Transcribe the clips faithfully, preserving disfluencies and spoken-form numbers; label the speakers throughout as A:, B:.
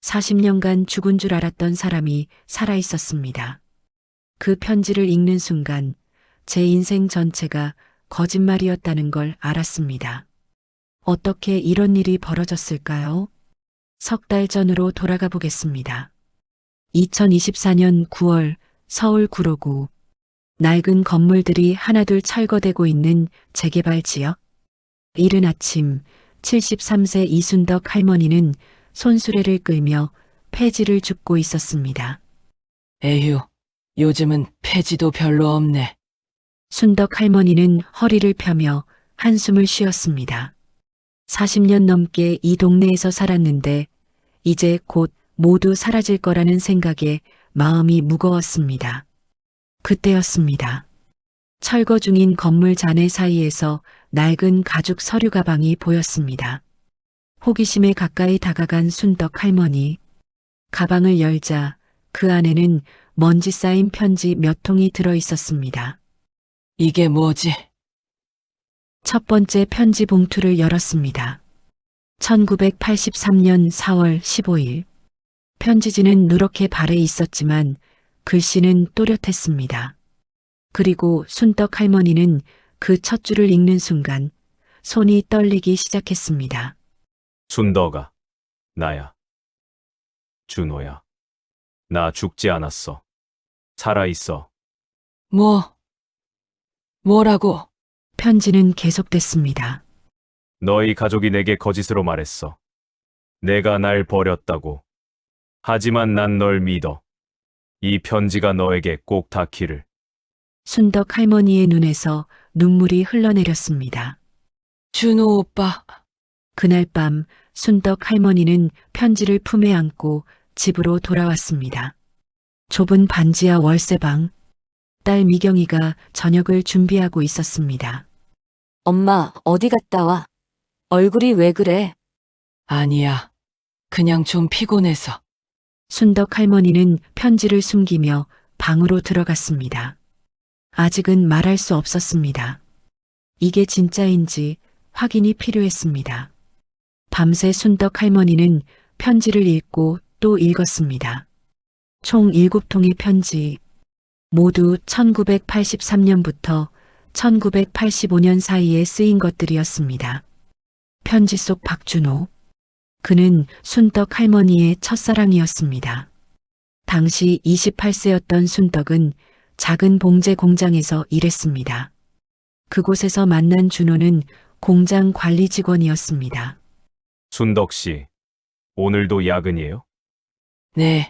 A: 사십 년간 죽은 줄 알았던 사람이 살아 있었습니다. 그 편지를 읽는 순간 제 인생 전체가 거짓말이었다는 걸 알았습니다. 어떻게 이런 일이 벌어졌을까요? 석 달 전으로 돌아가 보겠습니다. 이천이십사 년 구월 서울 구로구. 낡은 건물들이 하나둘 철거되고 있는 재개발 지역. 이른 아침 칠십삼 세 이순덕 할머니는 손수레를 끌며 폐지를 줍고 있었습니다.
B: 에휴, 요즘은 폐지도 별로 없네.
A: 순덕 할머니는 허리를 펴며 한숨을 쉬었습니다. 사십 년 넘게 이 동네에서 살았는데 이제 곧 모두 사라질 거라는 생각에 마음이 무거웠습니다. 그때였습니다. 철거 중인 건물 잔해 사이에서 낡은 가죽 서류 가방이 보였습니다. 호기심에 가까이 다가간 순덕 할머니. 가방을 열자 그 안에는 먼지 쌓인 편지 몇 통이 들어 있었습니다.
B: 이게 뭐지?
A: 첫 번째 편지 봉투를 열었습니다. 천구백팔십삼 년 사월 십오일. 편지지는 누렇게 발해 있었지만 글씨는 또렷했습니다. 그리고 순덕 할머니는 그 첫 줄을 읽는 순간 손이 떨리기 시작했습니다.
C: 순덕아, 나야. 준호야. 나 죽지 않았어. 살아있어.
B: 뭐? 뭐라고?
A: 편지는 계속됐습니다.
C: 너희 가족이 내게 거짓으로 말했어. 내가 날 버렸다고. 하지만 난 널 믿어. 이 편지가 너에게 꼭 닿기를.
A: 순덕 할머니의 눈에서 눈물이 흘러내렸습니다.
B: 준호 오빠,
A: 그날 밤 순덕 할머니는 편지를 품에 안고 집으로 돌아왔습니다. 좁은 반지하 월세방. 딸 미경이가 저녁을 준비하고 있었습니다.
D: 엄마, 어디 갔다 와? 얼굴이 왜 그래?
B: 아니야. 그냥 좀 피곤해서.
A: 순덕 할머니는 편지를 숨기며 방으로 들어갔습니다. 아직은 말할 수 없었습니다. 이게 진짜인지 확인이 필요했습니다. 밤새 순덕 할머니는 편지를 읽고 또 읽었습니다. 총 일곱 통의 편지. 모두 천구백팔십삼 년부터 천구백팔십오 년 사이에 쓰인 것들이었습니다. 편지 속 박준호. 그는 순덕 할머니의 첫사랑이었습니다. 당시 이십팔 세였던 순덕은 작은 봉제 공장에서 일했습니다. 그곳에서 만난 준호는 공장 관리 직원이었습니다.
C: 순덕 씨, 오늘도 야근이에요?
B: 네.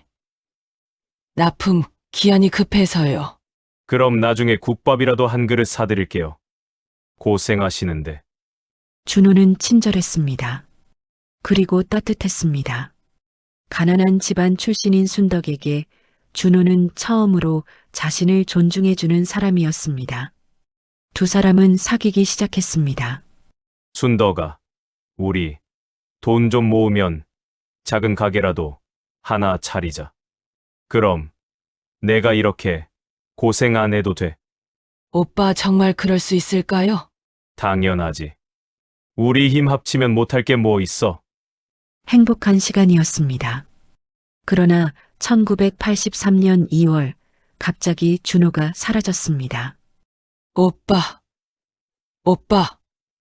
B: 납품 기한이 급해서요.
C: 그럼 나중에 국밥이라도 한 그릇 사드릴게요. 고생하시는데.
A: 준호는 친절했습니다. 그리고 따뜻했습니다. 가난한 집안 출신인 순덕에게 준호는 처음으로 자신을 존중해주는 사람이었습니다. 두 사람은 사귀기 시작했습니다.
C: 순덕아, 우리 돈 좀 모으면 작은 가게라도 하나 차리자. 그럼 내가 이렇게 고생 안 해도 돼.
B: 오빠 정말 그럴 수 있을까요?
C: 당연하지. 우리 힘 합치면 못할 게 뭐 있어.
A: 행복한 시간이었습니다. 그러나 천구백팔십삼 년 이월 갑자기 준호가 사라졌습니다.
B: 오빠. 오빠.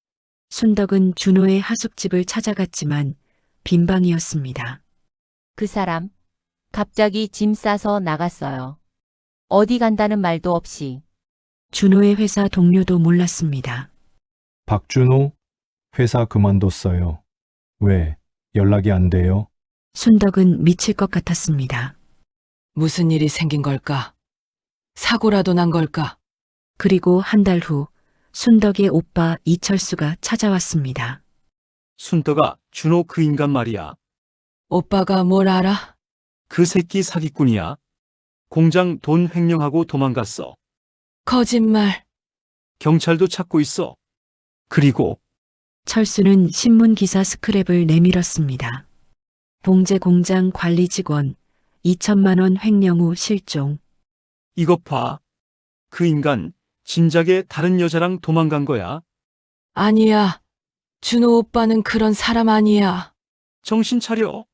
A: 순덕은 준호의 하숙집을 찾아갔지만 빈방이었습니다.
D: 그 사람, 갑자기 짐 싸서 나갔어요. 어디 간다는 말도 없이.
A: 준호의 회사 동료도 몰랐습니다.
E: 박준호, 회사 그만뒀어요. 왜 연락이 안 돼요?
A: 순덕은 미칠 것 같았습니다.
B: 무슨 일이 생긴 걸까? 사고라도 난 걸까?
A: 그리고 한 달 후 순덕의 오빠 이철수가 찾아왔습니다.
F: 순덕아, 준호 그 인간 말이야.
B: 오빠가 뭘 알아?
F: 그 새끼 사기꾼이야. 공장 돈 횡령하고 도망갔어.
B: 거짓말.
F: 경찰도 찾고 있어. 그리고
A: 철수는 신문기사 스크랩을 내밀었습니다. 봉제 공장 관리 직원 이천만 원 횡령 후 실종.
F: 이것 봐. 그 인간 진작에 다른 여자랑 도망간 거야.
B: 아니야. 준호 오빠는 그런 사람 아니야.
F: 정신 차려.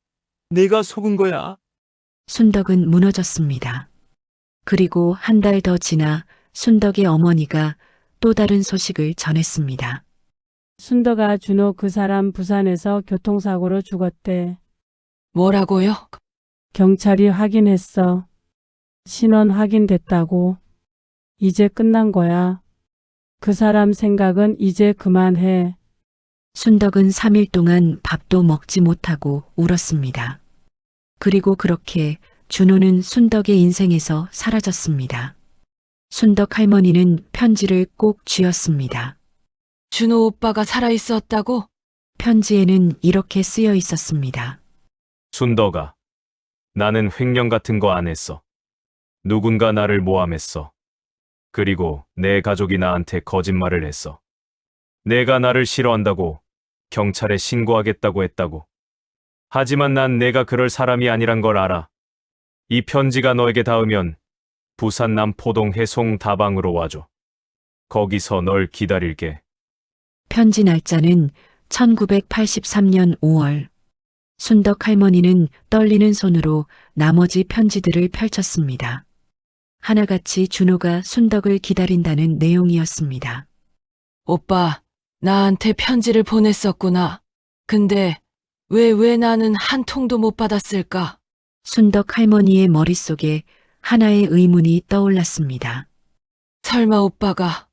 F: 내가 속은 거야.
A: 순덕은 무너졌습니다. 그리고 한 달 더 지나 순덕의 어머니가 또 다른 소식을 전했습니다.
G: 순덕아, 준호 그 사람 부산에서 교통사고로 죽었대.
B: 뭐라고요?
G: 경찰이 확인했어. 신원 확인됐다고. 이제 끝난 거야. 그 사람 생각은 이제 그만해.
A: 순덕은 삼 일 동안 밥도 먹지 못하고 울었습니다. 그리고 그렇게 준호는 순덕의 인생에서 사라졌습니다. 순덕 할머니는 편지를 꼭 쥐었습니다.
B: 준호 오빠가 살아있었다고?
A: 편지에는 이렇게 쓰여 있었습니다.
C: 순덕아, 나는 횡령 같은 거 안 했어. 누군가 나를 모함했어. 그리고 내 가족이 나한테 거짓말을 했어. 내가 나를 싫어한다고 경찰에 신고하겠다고 했다고. 하지만 난 내가 그럴 사람이 아니란 걸 알아. 이 편지가 너에게 닿으면 부산 남포동 해송 다방으로 와줘. 거기서 널 기다릴게.
A: 편지 날짜는 천구백팔십삼 년 오월. 순덕 할머니는 떨리는 손으로 나머지 편지들을 펼쳤습니다. 하나같이 준호가 순덕을 기다린다는 내용이었습니다.
B: 오빠, 나한테 편지를 보냈었구나. 근데 왜, 왜 나는 한 통도 못 받았을까?
A: 순덕 할머니의 머릿속에 하나의 의문이 떠올랐습니다.
B: 설마 오빠가,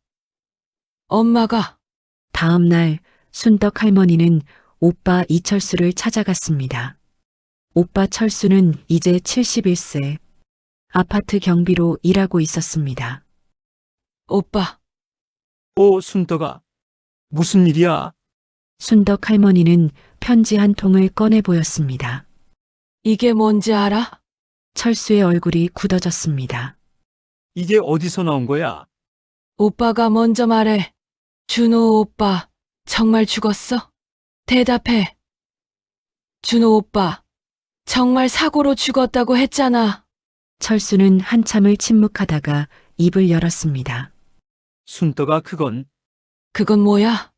B: 엄마가,
A: 다음 날 순덕 할머니는 오빠 이철수를 찾아갔습니다. 오빠 철수는 이제 칠십일 세. 아파트 경비로 일하고 있었습니다.
B: 오빠,
F: 오, 순덕아. 무슨 일이야?
A: 순덕 할머니는 편지 한 통을 꺼내 보였습니다.
B: 이게 뭔지 알아?
A: 철수의 얼굴이 굳어졌습니다.
F: 이게 어디서 나온 거야?
B: 오빠가 먼저 말해. 준호 오빠, 정말 죽었어? 대답해. 준호 오빠, 정말 사고로 죽었다고 했잖아.
A: 철수는 한참을 침묵하다가 입을 열었습니다.
F: 순덕아, 그건
B: 그건 뭐야?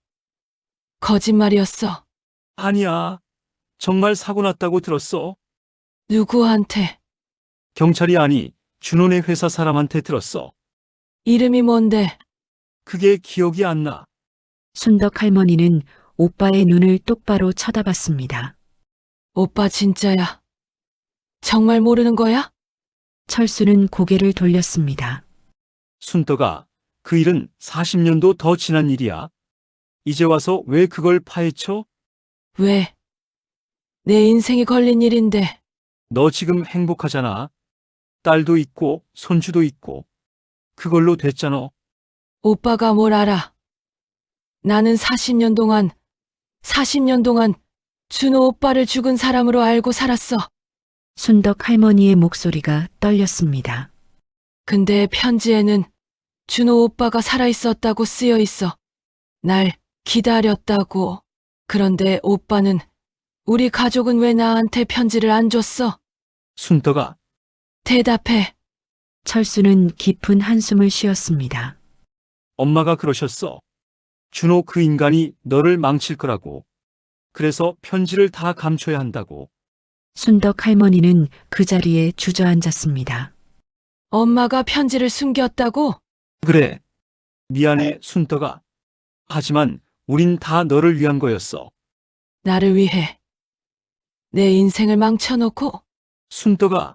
B: 거짓말이었어.
F: 아니야. 정말 사고 났다고 들었어.
B: 누구한테?
F: 경찰이 아니, 준호네 회사 사람한테 들었어.
B: 이름이 뭔데?
F: 그게 기억이 안 나.
A: 순덕 할머니는 오빠의 눈을 똑바로 쳐다봤습니다.
B: 오빠 진짜야. 정말 모르는 거야?
A: 철수는 고개를 돌렸습니다.
F: 순덕아, 그 일은 사십 년도 더 지난 일이야. 이제 와서 왜 그걸 파헤쳐?
B: 왜? 내 인생이 걸린 일인데.
F: 너 지금 행복하잖아. 딸도 있고 손주도 있고. 그걸로 됐잖아.
B: 오빠가 뭘 알아? 나는 사십 년 동안, 사십 년 동안 준호 오빠를 죽은 사람으로 알고 살았어.
A: 순덕 할머니의 목소리가 떨렸습니다.
B: 근데 편지에는 준호 오빠가 살아있었다고 쓰여 있어. 날 기다렸다고. 그런데 오빠는, 우리 가족은 왜 나한테 편지를 안 줬어?
F: 순덕아,
B: 대답해.
A: 철수는 깊은 한숨을 쉬었습니다.
F: 엄마가 그러셨어. 준호 그 인간이 너를 망칠 거라고. 그래서 편지를 다 감춰야 한다고.
A: 순덕 할머니는 그 자리에 주저앉았습니다.
B: 엄마가 편지를 숨겼다고?
F: 그래. 미안해, 순덕아. 하지만 우린 다 너를 위한 거였어.
B: 나를 위해. 내 인생을 망쳐놓고
F: 순덕아,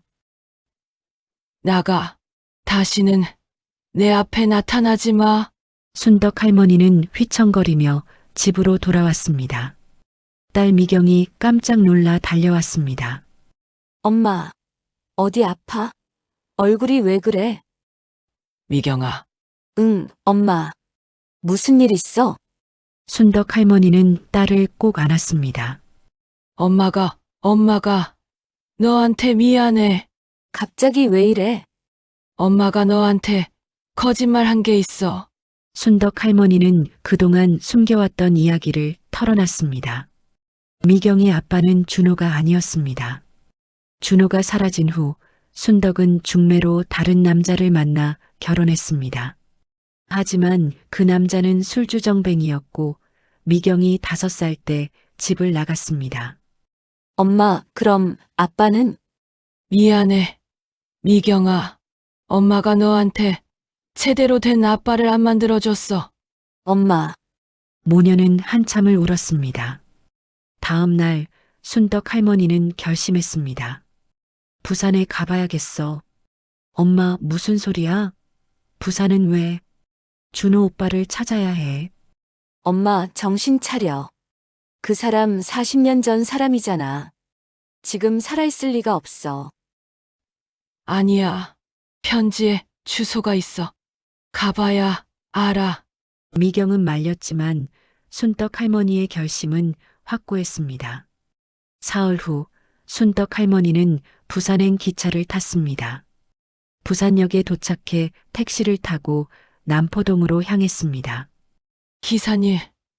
B: 나가. 다시는 내 앞에 나타나지 마.
A: 순덕 할머니는 휘청거리며 집으로 돌아왔습니다. 딸 미경이 깜짝 놀라 달려왔습니다.
H: 엄마, 어디 아파? 얼굴이 왜 그래?
B: 미경아,
H: 응, 엄마. 무슨 일 있어?
A: 순덕 할머니는 딸을 꼭 안았습니다.
B: 엄마가, 엄마가 너한테 미안해.
H: 갑자기 왜 이래?
B: 엄마가 너한테 거짓말 한 게 있어.
A: 순덕 할머니는 그동안 숨겨왔던 이야기를 털어놨습니다. 미경의 아빠는 준호가 아니었습니다. 준호가 사라진 후 순덕은 중매로 다른 남자를 만나 결혼했습니다. 하지만 그 남자는 술주정뱅이였고 미경이 다섯 살 때 집을 나갔습니다.
H: 엄마, 그럼 아빠는?
B: 미안해. 미경아. 엄마가 너한테 제대로 된 아빠를 안 만들어줬어.
H: 엄마,
A: 모녀는 한참을 울었습니다. 다음 날 순덕 할머니는 결심했습니다. 부산에 가봐야겠어. 엄마, 무슨 소리야? 부산은 왜? 준호 오빠를 찾아야 해.
H: 엄마, 정신 차려. 그 사람 사십 년 전 사람이잖아. 지금 살아있을 리가 없어.
B: 아니야. 편지에 주소가 있어. 가봐야 알아.
A: 미경은 말렸지만 순덕 할머니의 결심은 확고했습니다. 사흘 후 순덕 할머니는 부산행 기차를 탔습니다. 부산역에 도착해 택시를 타고 남포동으로 향했습니다.
B: 기사님,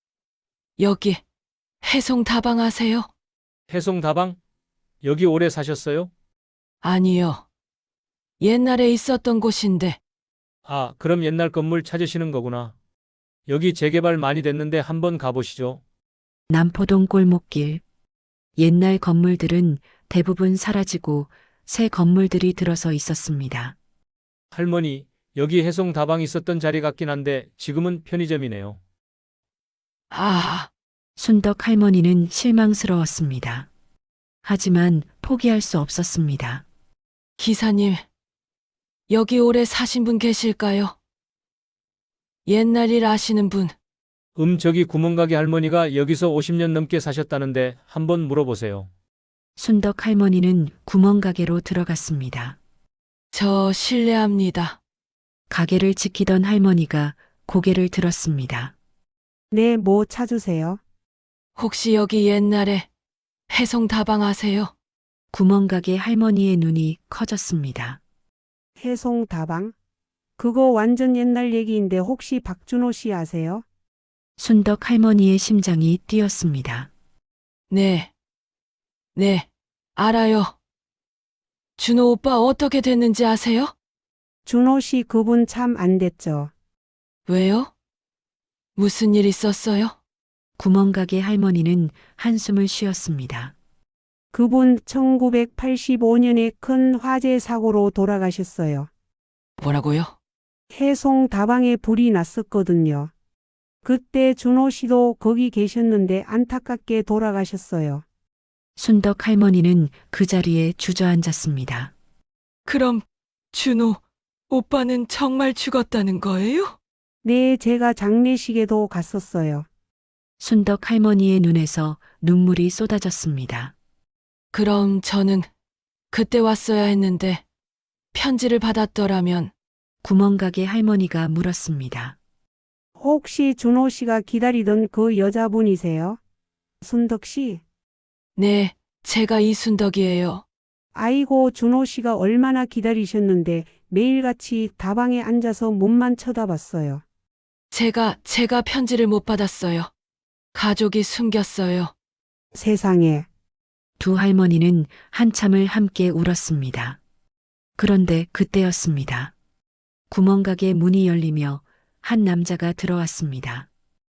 B: 여기 해송 다방하세요?
I: 해송 다방? 여기 오래 사셨어요?
B: 아니요. 옛날에 있었던 곳인데
I: 아, 그럼 옛날 건물 찾으시는 거구나. 여기 재개발 많이 됐는데 한번 가보시죠.
A: 남포동 골목길. 옛날 건물들은 대부분 사라지고 새 건물들이 들어서 있었습니다.
I: 할머니, 여기 해송 다방 있었던 자리 같긴 한데 지금은 편의점이네요.
B: 아,
A: 순덕 할머니는 실망스러웠습니다. 하지만 포기할 수 없었습니다.
B: 기사님, 여기 오래 사신 분 계실까요? 옛날 일 아시는 분.
I: 음, 저기 구멍가게 할머니가 여기서 오십 년 넘게 사셨다는데 한번 물어보세요.
A: 순덕 할머니는 구멍가게로 들어갔습니다.
B: 저 실례합니다.
A: 가게를 지키던 할머니가 고개를 들었습니다.
G: 네, 뭐 찾으세요?
B: 혹시 여기 옛날에 해송 다방 아세요?
A: 구멍가게 할머니의 눈이 커졌습니다.
G: 해송 다방? 그거 완전 옛날 얘기인데 혹시 박준호 씨 아세요?
A: 순덕 할머니의 심장이 뛰었습니다.
B: 네. 네, 알아요. 준호 오빠 어떻게 됐는지 아세요?
G: 준호 씨 그분 참 안 됐죠.
B: 왜요? 무슨 일 있었어요?
A: 구멍가게 할머니는 한숨을 쉬었습니다.
G: 그분 천구백팔십오 년에 큰 화재 사고로 돌아가셨어요.
B: 뭐라고요?
G: 해송 다방에 불이 났었거든요. 그때 준호 씨도 거기 계셨는데 안타깝게 돌아가셨어요.
A: 순덕 할머니는 그 자리에 주저앉았습니다.
B: 그럼 준호 오빠는 정말 죽었다는 거예요?
G: 네, 제가 장례식에도 갔었어요.
A: 순덕 할머니의 눈에서 눈물이 쏟아졌습니다.
B: 그럼 저는 그때 왔어야 했는데 편지를 받았더라면.
A: 구멍가게 할머니가 물었습니다.
G: 혹시 준호 씨가 기다리던 그 여자분이세요? 순덕 씨?
B: 네, 제가 이순덕이에요.
G: 아이고, 준호 씨가 얼마나 기다리셨는데 매일같이 다방에 앉아서 몸만 쳐다봤어요.
B: 제가, 제가 편지를 못 받았어요. 가족이 숨겼어요.
G: 세상에.
A: 두 할머니는 한참을 함께 울었습니다. 그런데 그때였습니다. 구멍가게 문이 열리며 한 남자가 들어왔습니다.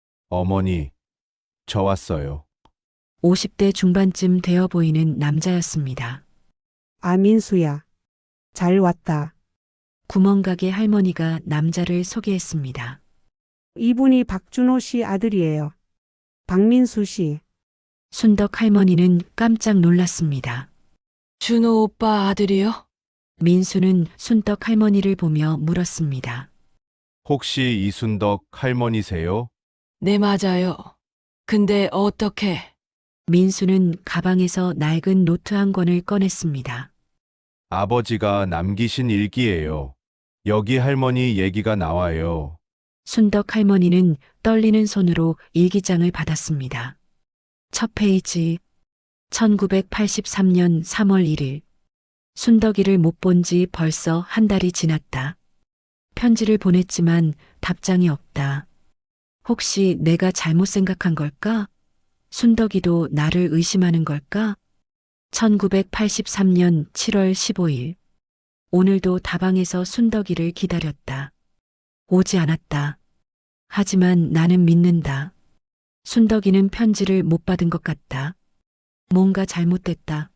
J: 어머니, 저 왔어요.
A: 오십 대 중반쯤 되어 보이는 남자였습니다.
G: 아, 민수야. 잘 왔다.
A: 구멍가게 할머니가 남자를 소개했습니다.
G: 이분이 박준호 씨 아들이에요. 박민수 씨.
A: 순덕 할머니는 깜짝 놀랐습니다.
B: 준호 오빠 아들이요?
A: 민수는 순덕 할머니를 보며 물었습니다.
J: 혹시 이순덕 할머니세요?
B: 네, 맞아요. 근데 어떻게?
A: 민수는 가방에서 낡은 노트 한 권을 꺼냈습니다.
J: 아버지가 남기신 일기예요. 여기 할머니 얘기가 나와요.
A: 순덕 할머니는 떨리는 손으로 일기장을 받았습니다. 첫 페이지. 천구백팔십삼 년 삼월 일 일. 순덕이를 못 본 지 벌써 한 달이 지났다. 편지를 보냈지만 답장이 없다. 혹시 내가 잘못 생각한 걸까? 순덕이도 나를 의심하는 걸까? 천구백팔십삼 년 칠월 십오일. 오늘도 다방에서 순덕이를 기다렸다. 오지 않았다. 하지만 나는 믿는다. 순덕이는 편지를 못 받은 것 같다. 뭔가 잘못됐다.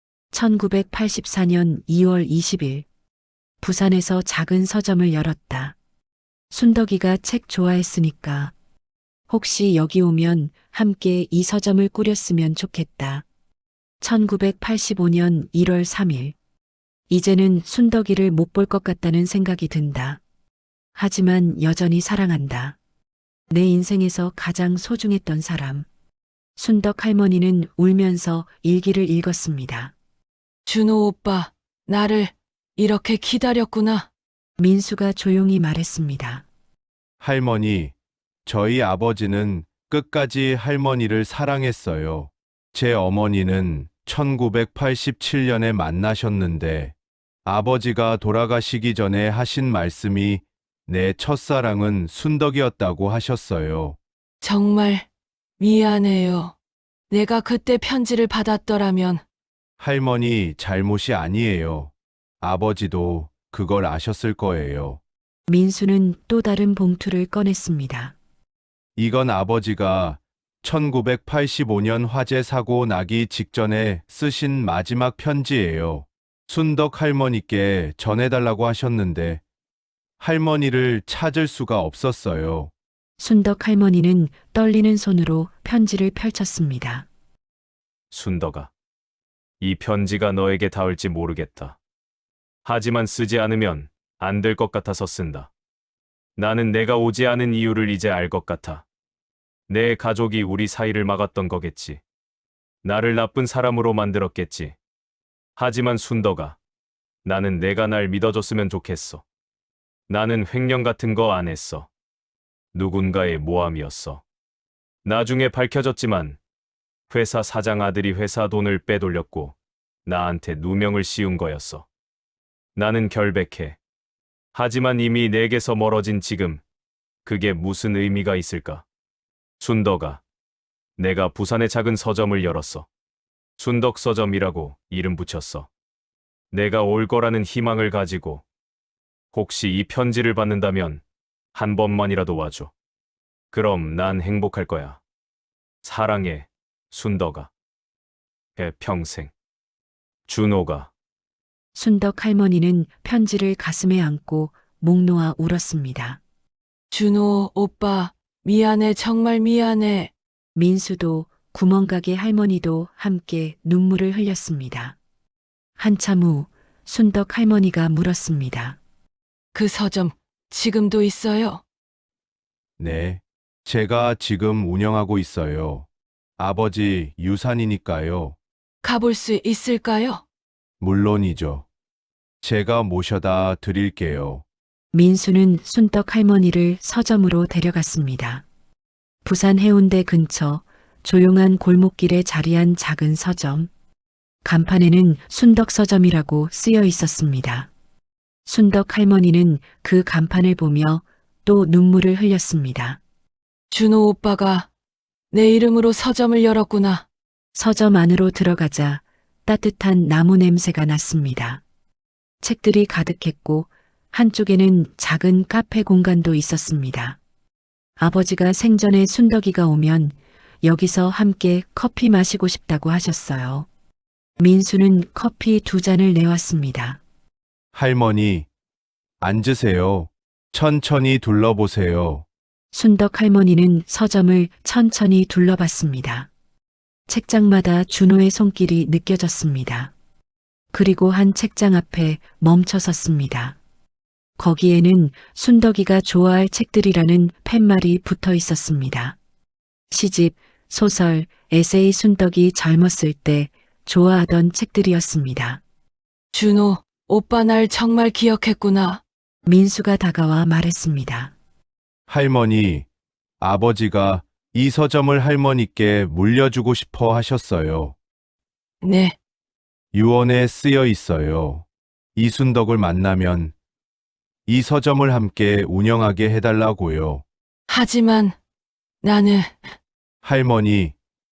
A: 천구백팔십사 년 이월 이십일 부산에서 작은 서점을 열었다. 순덕이가 책 좋아했으니까 혹시 여기 오면 함께 이 서점을 꾸렸으면 좋겠다. 천구백팔십오 년 일월 삼일 이제는 순덕이를 못 볼 것 같다는 생각이 든다. 하지만 여전히 사랑한다. 내 인생에서 가장 소중했던 사람. 순덕 할머니는 울면서 일기를 읽었습니다.
B: 준호 오빠, 나를 이렇게 기다렸구나.
A: 민수가 조용히 말했습니다.
J: 할머니, 저희 아버지는 끝까지 할머니를 사랑했어요. 제 어머니는 천구백팔십칠 년에 만나셨는데 아버지가 돌아가시기 전에 하신 말씀이 내 첫사랑은 순덕이었다고 하셨어요.
B: 정말 미안해요. 내가 그때 편지를 받았더라면.
J: 할머니 잘못이 아니에요. 아버지도 그걸 아셨을 거예요.
A: 민수는 또 다른 봉투를 꺼냈습니다.
J: 이건 아버지가 천구백팔십오 년 화재 사고 나기 직전에 쓰신 마지막 편지예요. 순덕 할머니께 전해달라고 하셨는데 할머니를 찾을 수가 없었어요.
A: 순덕 할머니는 떨리는 손으로 편지를 펼쳤습니다.
C: 순덕아, 이 편지가 너에게 닿을지 모르겠다. 하지만 쓰지 않으면 안 될 것 같아서 쓴다. 나는 내가 오지 않은 이유를 이제 알 것 같아. 내 가족이 우리 사이를 막았던 거겠지. 나를 나쁜 사람으로 만들었겠지. 하지만 순덕아, 나는 내가 날 믿어줬으면 좋겠어. 나는 횡령 같은 거 안 했어. 누군가의 모함이었어. 나중에 밝혀졌지만 회사 사장 아들이 회사 돈을 빼돌렸고 나한테 누명을 씌운 거였어. 나는 결백해. 하지만 이미 내게서 멀어진 지금 그게 무슨 의미가 있을까? 순덕아, 내가 부산에 작은 서점을 열었어. 순덕 서점이라고 이름 붙였어. 내가 올 거라는 희망을 가지고 혹시 이 편지를 받는다면 한 번만이라도 와줘. 그럼 난 행복할 거야. 사랑해, 순덕아. 의 평생. 준호가.
A: 순덕 할머니는 편지를 가슴에 안고 목 놓아 울었습니다.
B: 준호 오빠, 미안해, 정말 미안해.
A: 민수도 구멍가게 할머니도 함께 눈물을 흘렸습니다. 한참 후 순덕 할머니가 물었습니다.
B: 그 서점 지금도 있어요?
J: 네, 제가 지금 운영하고 있어요. 아버지 유산이니까요.
B: 가볼 수 있을까요?
J: 물론이죠. 제가 모셔다 드릴게요.
A: 민수는 순덕 할머니를 서점으로 데려갔습니다. 부산 해운대 근처 조용한 골목길에 자리한 작은 서점. 간판에는 순덕 서점이라고 쓰여 있었습니다. 순덕 할머니는 그 간판을 보며 또 눈물을 흘렸습니다.
B: 준호 오빠가 내 이름으로 서점을 열었구나.
A: 서점 안으로 들어가자 따뜻한 나무 냄새가 났습니다. 책들이 가득했고 한쪽에는 작은 카페 공간도 있었습니다. 아버지가 생전에 순덕이가 오면 여기서 함께 커피 마시고 싶다고 하셨어요. 민수는 커피 두 잔을 내왔습니다.
J: 할머니, 앉으세요. 천천히 둘러보세요.
A: 순덕 할머니는 서점을 천천히 둘러봤습니다. 책장마다 준호의 손길이 느껴졌습니다. 그리고 한 책장 앞에 멈춰 섰습니다. 거기에는 순덕이가 좋아할 책들이라는 팻말이 붙어 있었습니다. 시집, 소설, 에세이 순덕이 젊었을 때 좋아하던 책들이었습니다.
B: 준호 오빠 날 정말 기억했구나.
A: 민수가 다가와 말했습니다.
J: 할머니, 아버지가 이 서점을 할머니께 물려주고 싶어 하셨어요.
B: 네,
J: 유언에 쓰여 있어요. 이순덕을 만나면 이 서점을 함께 운영하게 해달라고요.
B: 하지만 나는
J: 할머니,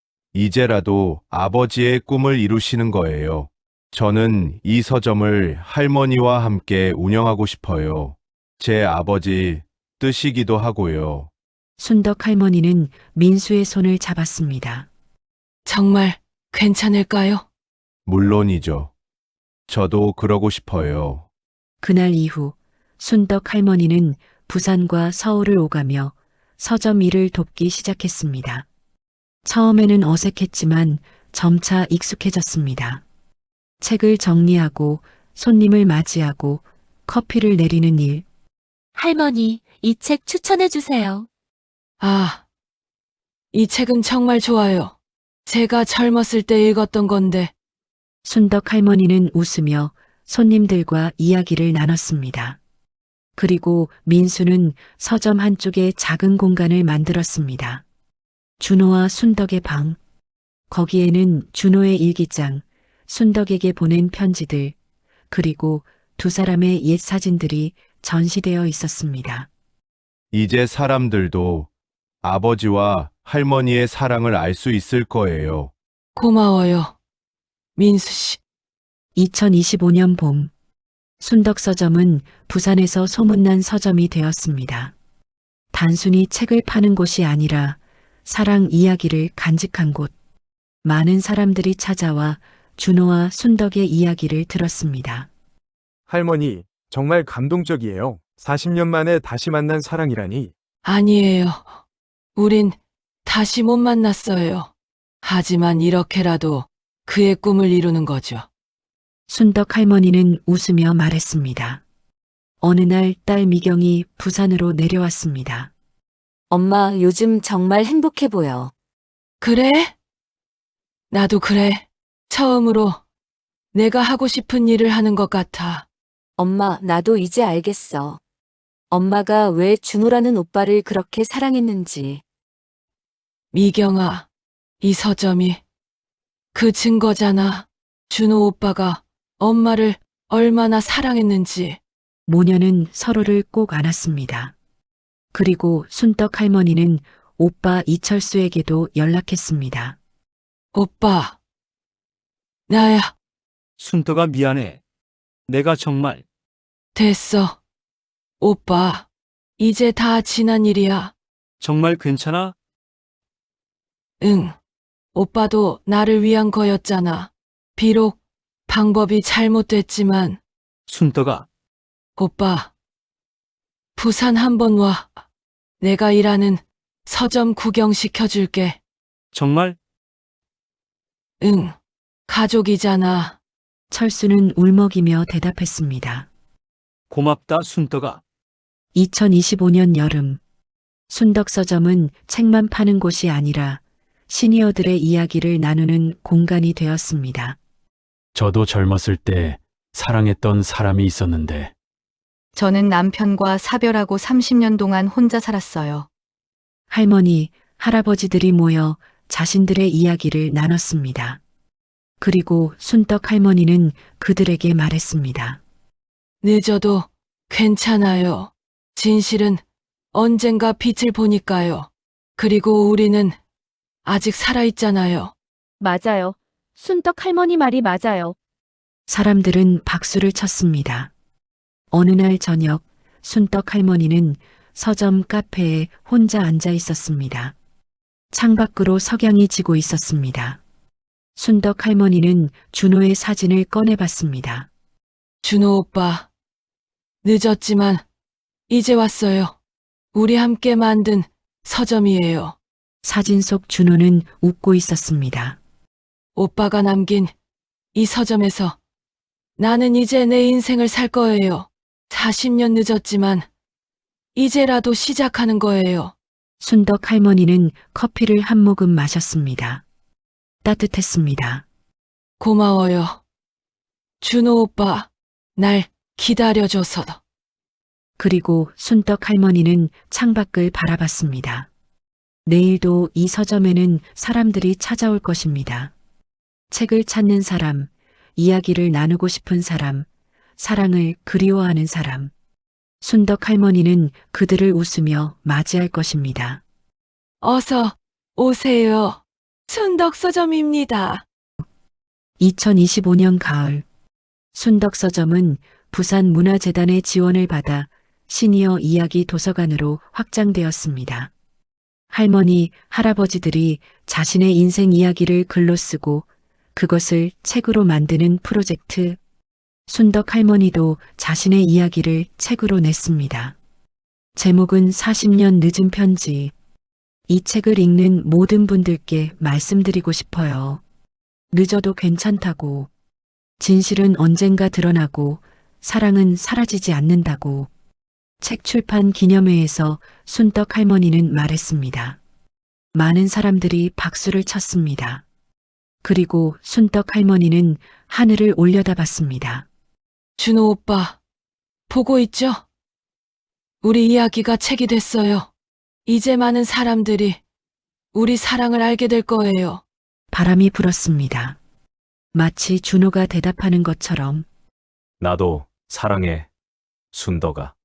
J: 이제라도 아버지의 꿈을 이루시는 거예요. 저는 이 서점을 할머니와 함께 운영하고 싶어요. 제 아버지 뜻이기도 하고요.
A: 순덕 할머니는 민수의 손을 잡았습니다.
B: 정말 괜찮을까요?
J: 물론이죠. 저도 그러고 싶어요.
A: 그날 이후 순덕 할머니는 부산과 서울을 오가며 서점 일을 돕기 시작했습니다. 처음에는 어색했지만 점차 익숙해졌습니다. 책을 정리하고 손님을 맞이하고 커피를 내리는 일.
D: 할머니, 이 책 추천해 주세요.
B: 아, 이 책은 정말 좋아요. 제가 젊었을 때 읽었던 건데,
A: 순덕 할머니는 웃으며 손님들과 이야기를 나눴습니다. 그리고 민수는 서점 한쪽에 작은 공간을 만들었습니다. 준호와 순덕의 방. 거기에는 준호의 일기장, 순덕에게 보낸 편지들, 그리고 두 사람의 옛 사진들이 전시되어 있었습니다.
J: 이제 사람들도 아버지와 할머니의 사랑을 알 수 있을 거예요.
B: 고마워요. 민수 씨.
A: 이천이십오 년 봄, 순덕 서점은 부산에서 소문난 서점이 되었습니다. 단순히 책을 파는 곳이 아니라 사랑 이야기를 간직한 곳. 많은 사람들이 찾아와 준호와 순덕의 이야기를 들었습니다.
K: 할머니, 정말 감동적이에요. 사십 년 만에 다시 만난 사랑이라니.
B: 아니에요. 우린 다시 못 만났어요. 하지만 이렇게라도 그의 꿈을 이루는 거죠.
A: 순덕 할머니는 웃으며 말했습니다. 어느 날 딸 미경이 부산으로 내려왔습니다.
H: 엄마, 요즘 정말 행복해 보여.
B: 그래? 나도 그래. 처음으로 내가 하고 싶은 일을 하는 것 같아.
H: 엄마, 나도 이제 알겠어. 엄마가 왜 준호라는 오빠를 그렇게 사랑했는지.
B: 미경아, 이 서점이 그 증거잖아. 준호 오빠가 엄마를 얼마나 사랑했는지.
A: 모녀는 서로를 꼭 안았습니다. 그리고 순덕 할머니는 오빠 이철수에게도 연락했습니다.
B: 오빠, 나야.
F: 순덕아, 미안해. 내가 정말
B: 됐어. 오빠, 이제 다 지난 일이야.
F: 정말 괜찮아?
B: 응. 오빠도 나를 위한 거였잖아. 비록 방법이 잘못됐지만,
F: 순덕아,
B: 오빠, 부산 한번 와. 내가 일하는 서점 구경시켜줄게.
F: 정말
B: 응. 가족이잖아.
A: 철수는 울먹이며 대답했습니다.
F: 고맙다, 순덕아.
A: 이천이십오 년 여름, 순덕 서점은 책만 파는 곳이 아니라 시니어들의 이야기를 나누는 공간이 되었습니다.
E: 저도 젊었을 때 사랑했던 사람이 있었는데
L: 저는 남편과 사별하고 삼십 년 동안 혼자 살았어요.
A: 할머니, 할아버지들이 모여 자신들의 이야기를 나눴습니다. 그리고 순덕 할머니는 그들에게 말했습니다.
B: 늦어도 괜찮아요. 진실은 언젠가 빛을 보니까요. 그리고 우리는 아직 살아있잖아요.
D: 맞아요. 순덕 할머니 말이 맞아요.
A: 사람들은 박수를 쳤습니다. 어느 날 저녁, 순덕 할머니는 서점 카페에 혼자 앉아 있었습니다. 창밖으로 석양이 지고 있었습니다. 순덕 할머니는 준호의 사진을 꺼내봤습니다.
B: 준호 오빠, 늦었지만 이제 왔어요. 우리 함께 만든 서점이에요.
A: 사진 속 준호는 웃고 있었습니다.
B: 오빠가 남긴 이 서점에서 나는 이제 내 인생을 살 거예요. 사십 년 늦었지만 이제라도 시작하는 거예요.
A: 순덕 할머니는 커피를 한 모금 마셨습니다. 따뜻했습니다.
B: 고마워요. 준호 오빠, 날 기다려줘서.
A: 그리고 순덕 할머니는 창밖을 바라봤습니다. 내일도 이 서점에는 사람들이 찾아올 것입니다. 책을 찾는 사람, 이야기를 나누고 싶은 사람, 사랑을 그리워하는 사람. 순덕 할머니는 그들을 웃으며 맞이할 것입니다.
B: 어서 오세요. 순덕 서점입니다.
A: 이천이십오 년 가을, 순덕 서점은 부산문화재단의 지원을 받아 시니어 이야기 도서관으로 확장되었습니다. 할머니, 할아버지들이 자신의 인생 이야기를 글로 쓰고 그것을 책으로 만드는 프로젝트. 순덕 할머니도 자신의 이야기를 책으로 냈습니다. 제목은 사십 년 늦은 편지. 이 책을 읽는 모든 분들께 말씀드리고 싶어요. 늦어도 괜찮다고. 진실은 언젠가 드러나고 사랑은 사라지지 않는다고. 책 출판 기념회에서 순덕 할머니는 말했습니다. 많은 사람들이 박수를 쳤습니다. 그리고 순덕 할머니는 하늘을 올려다봤습니다.
B: 준호 오빠, 보고 있죠? 우리 이야기가 책이 됐어요. 이제 많은 사람들이 우리 사랑을 알게 될 거예요.
A: 바람이 불었습니다. 마치 준호가 대답하는 것처럼.
C: 나도 사랑해, 순덕아.